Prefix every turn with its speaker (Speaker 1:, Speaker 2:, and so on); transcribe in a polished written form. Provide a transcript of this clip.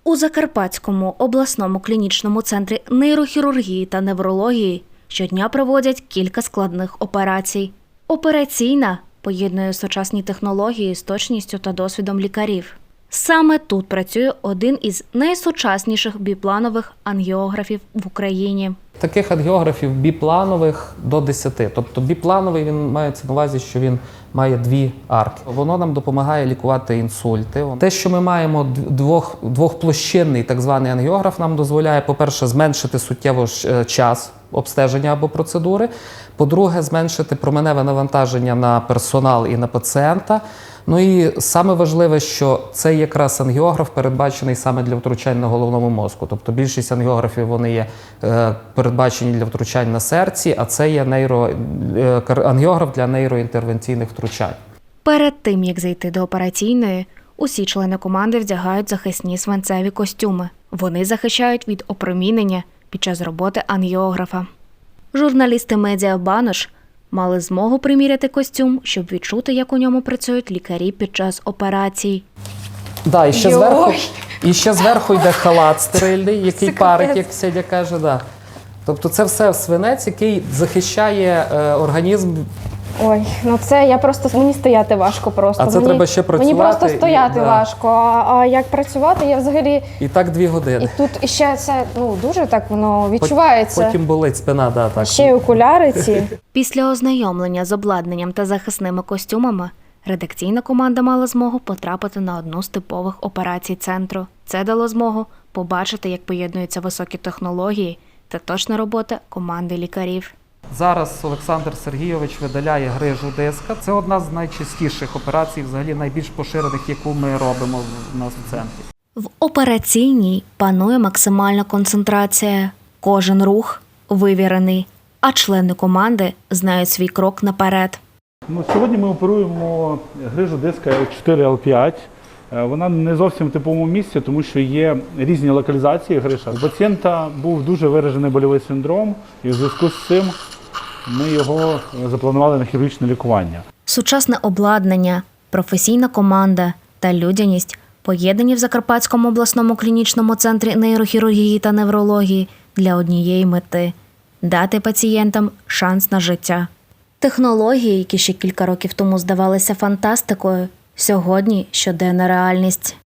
Speaker 1: У Закарпатському обласному клінічному центрі нейрохірургії та неврології щодня проводять кілька складних операцій. Операційна поєднує сучасні технології з точністю та досвідом лікарів. Саме тут працює один із найсучасніших біпланових ангіографів в Україні.
Speaker 2: Таких ангіографів біпланових до 10. Тобто біплановий, він мається на увазі, що він має дві арки. Воно нам допомагає лікувати інсульти. Те, що ми маємо двохплощинний так званий ангіограф, нам дозволяє, по-перше, зменшити суттєво час обстеження або процедури. По-друге, зменшити променеве навантаження на персонал і на пацієнта. Ну і саме важливе, що цей якраз ангіограф передбачений саме для втручань на головному мозку. Тобто більшість ангіографів вони є передбачені для втручань на серці, а це є ангіограф для нейроінтервенційних втручань.
Speaker 1: Перед тим, як зайти до операційної, усі члени команди вдягають захисні свинцеві костюми. Вони захищають від опромінення під час роботи ангіографа. Журналісти медіа «Банош» мали змогу приміряти костюм, щоб відчути, як у ньому працюють лікарі під час операцій.
Speaker 2: Да, і ще зверху йде халат стерильний, який парить, як Сідя каже. Да. Тобто це все свинець, який захищає організм.
Speaker 3: Ой, ну це мені стояти важко просто.
Speaker 2: А це треба ще працювати.
Speaker 3: Мені просто стояти важко, а як працювати, я взагалі…
Speaker 2: І так 2 години.
Speaker 3: І тут ще це, дуже так воно відчувається.
Speaker 2: Потім болить спина, да, так.
Speaker 3: Ще й окуляри ці.
Speaker 1: Після ознайомлення з обладнанням та захисними костюмами, редакційна команда мала змогу потрапити на одну з типових операцій центру. Це дало змогу побачити, як поєднуються високі технології та точна робота команди лікарів.
Speaker 2: Зараз Олександр Сергійович видаляє грижу диска. Це одна з найчастіших операцій, взагалі найбільш поширених, яку ми робимо у нас в центрі.
Speaker 1: В операційній панує максимальна концентрація. Кожен рух вивірений, а члени команди знають свій крок наперед.
Speaker 4: Сьогодні ми оперуємо грижу диска L4-L5. Вона не зовсім в типовому місці, тому що є різні локалізації гриша. У пацієнта був дуже виражений больовий синдром, і в зв'язку з цим ми його запланували на хірургічне лікування.
Speaker 1: Сучасне обладнання, професійна команда та людяність поєднані в Закарпатському обласному клінічному центрі нейрохірургії та неврології для однієї мети – дати пацієнтам шанс на життя. Технології, які ще кілька років тому здавалися фантастикою, сьогодні щоденна реальність.